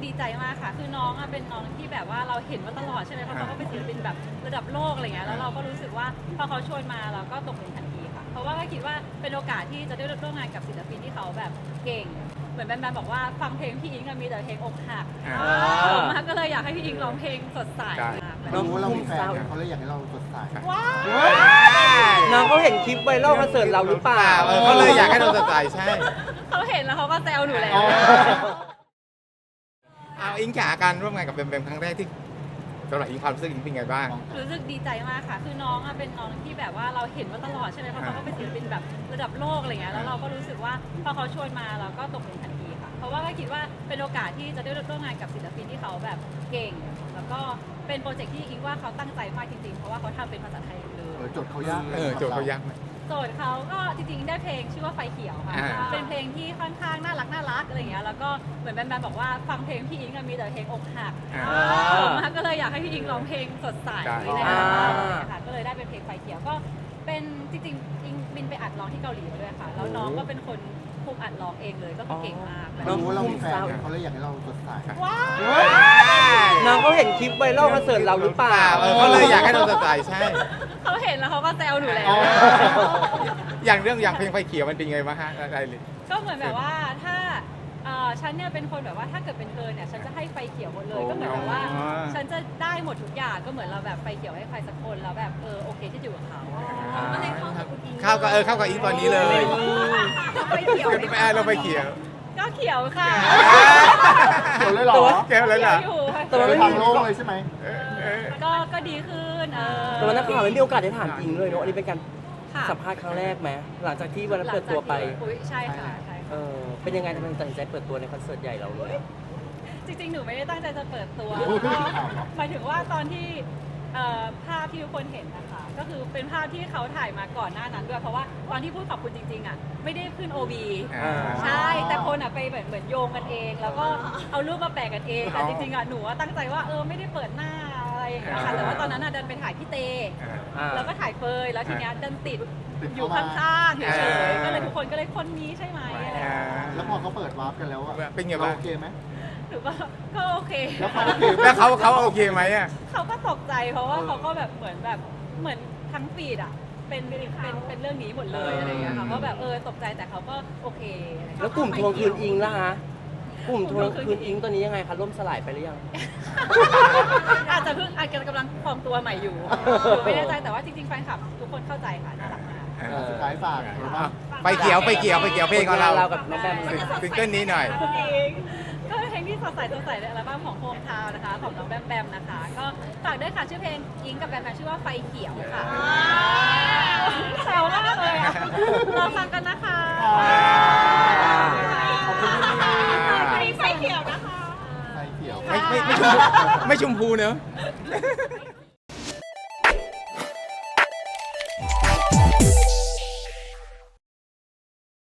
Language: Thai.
ดีใจมากค่ะคือน้องเป็นน้องที่แบบว่าเราเห็นมาตลอดใช่ไหมเพราะเขาก็เป็นศิลปินแบบระดับโลกอะไรเงี้ยแล้วเราก็รู้สึกว่าพอเขาชวนมาเราก็ตกลงทันทีค่ะเพราะว่าก็คิดว่าเป็นโอกาสที่จะได้ร่วมงานกับศิลปินที่เขาแบบเก่งเหมือนแบมบอกว่าฟังเพลงพี่อิงมีแต่เพลงอกหักมากก็เลยอยากให้พี่อิงร้องเพลงสดใสน้องเรามีแฟนเขาเลยอยากให้เราสดใสว้าวน้องเขาเห็นคลิปไวรัลคอนเสิร์ตเราหรือเปล่าเขาเลยอยากให้เราสดใสใช่เขาเห็นแล้วเขาก็แซวหนูแล้วเอาอิงจ๋าการร่วมงานกับแบมครั้งแรกที่สำหรับอิงความรู้สึกอิงเป็นไงบ้างรู้สึกดีใจมากค่ะคือน้องเป็นน้องที่แบบว่าเราเห็นมาตลอดใช่ไหมเพราะเขาก็เป็นศิลปินแบบระดับโลกอะไรเงี้ยแล้วเราก็รู้สึกว่าพอเขาชวนมาเราก็ตกลงทันทีค่ะเพราะว่าก็คิดว่าเป็นโอกาสที่จะได้ร่วมงานกับศิลปินที่เขาแบบเก่งแล้วก็เป็นโปรเจกต์ที่อิงว่าเขาตั้งใจมากจริงๆเพราะว่าเขาทำเป็นภาษาไทยเลยโจทย์เขายากโจทย์เขายากไหมโจทย์เขาก็จริงๆได้เพลงชื่อว่าไฟเขียวค่ะเป็นเพลงที่ค่อนข้างน่ารักอะไรเงี้ยแล้วก็เหมือนแบมบอกว่าฟังเพลงพี่อิงมีแต่เพลงอกหักมากก็เลยอยากให้พี่อิงร้องเพลงสดใสในอัลบั้มค่ะก็เลยได้เป็นเพลงไฟเขียวก็เป็นจริงๆอิงบินไปอัดร้องที่เกาหลีมาด้วยค่ะแล้วน้องก็เป็นคนคุมอัดร้องเองเลยก็คือเก่งมากเรามีแฟนเขาเลยอยากให้เราสดใสว้าวน้องเขาเห็นคลิปไวรัลคอนเสิร์ตเราหรือเปล่าเขาเลยอยากให้เราสดใสใช่เขาเห็นแล้วเขาก็แซวหนูแล้วอย่างเพลงไฟเขียวมันเป็นไงบ้างฮะอะไรเลยก็เหมือนแบบว่าถ้าฉันเนี่ยเป็นคนแบบว่าถ้าเกิดเป็นเธอเนี่ยฉันจะให้ไฟเขียวหมดเลยก็เหมือนแบบว่าฉันจะได้หมดทุกอย่างก็เหมือนเราแบบไฟเขียวให้ใครสักคนแล้วแบบโอเคที่อยู่กับเขาก็เลยเข้ากับคุณอิงเข้ากับอิงตอนนี้เลยไฟเขียวเราไฟเขียวก็เขียวค่ะเขียวเลยเหรอเขียวเลยเหรออยู่ค่ะแต่ว่าไม่ทามีงโลกเลยใช่ไหมก็ดีขึ้นแต่ว่านักข่าวไม่มีโอกาสได้ถามอิงเลยเนาะอันนี้เป็นการค่ะสัมภาษณ์ครั้งแรกไหมหลังจากที่วันนั้นเปิดตัวไปอุ๊ยใช่ค่ะใช่เป็นยังไงทำไมตัดสินใจเปิดตัวในคอนเสิร์ตใหญ่เราเลยจริงๆหนูไม่ได้ตั้งใจจะเปิดตัวอุ๊ยหมายถึงว่าตอนที่ภาพที่ทุกคนเห็นนะคะก็คือเป็นภาพที่เขาถ่ายมาก่อนหน้านั้นด้วยเพราะว่าตอนที่พูดขอบคุณจริงๆอ่ะไม่ได้ขึ้น OB ใช่แต่คนอ่ะไปเหมือนโยงกันเอง แล้วก็เอารูปมาแปะกันเองแต่จริงๆอ่ะหนูตั้งใจว่าไม่ได้เปิดหน้าอะไรอย่างเงี้ยค่ะแต่ว่าตอนนั้นอ่ะเดินไปถ่ายพี่เตแล้วก็ถ่ายเฟยแล้วทีเนี้ยเดินติดอยู่ข้างๆเฉยๆก็เลยทุกคนก็เลยคนนี้ใช่ไหมอะไรอย่างเงี้ยแล้วพอเขาเปิดวาร์ปกันแล้วเป็นไงบ้างโอเคไหมหรือว่าก็โอเคแล้วเขาโอเคไหมอ่ะเขาก็ตกใจเพราะว่าเขาก็แบบเหมือนทั้งฟีดอ่ะเป็นเรื่องนี้หมดเลยอะไรอย่างเงี้ยค่ะก็แบบตกใจแต่เขาก็โอเคอะไรอย่างแล้เงี้วย กลุ่มทวงคืนอิงล่ะฮะกลุ่มทวงคืนอิงตอนนี้ยังไงคะล่มสลายไปหรือยังอาจจะกำลังฟอร์มตัวใหม่อยู่หนูไม่แน่ใจแต่ว่าจริงๆแฟนคลับทุกคนเข้าใจค่ะน่ารักมากสุดท้ายฝากไฟเขียวเพลงของเรากับน้องแบมซิงเกิลนี้หน่อยก็เป็นเพลงที่สดใสในอัลบั้มของโฮมทาวน์นะคะของน้องแบมนะคะก็ฝากด้วยค่ะชื่อเพลงอิงกับแบมชื่อว่าไฟเขียวค่ะแซวมากเลยอะรอฟังกันนะคะขอบคุณค่ะวันนี้ไฟเขียวนะคะไฟเขียวไม่ชมพูเนอะ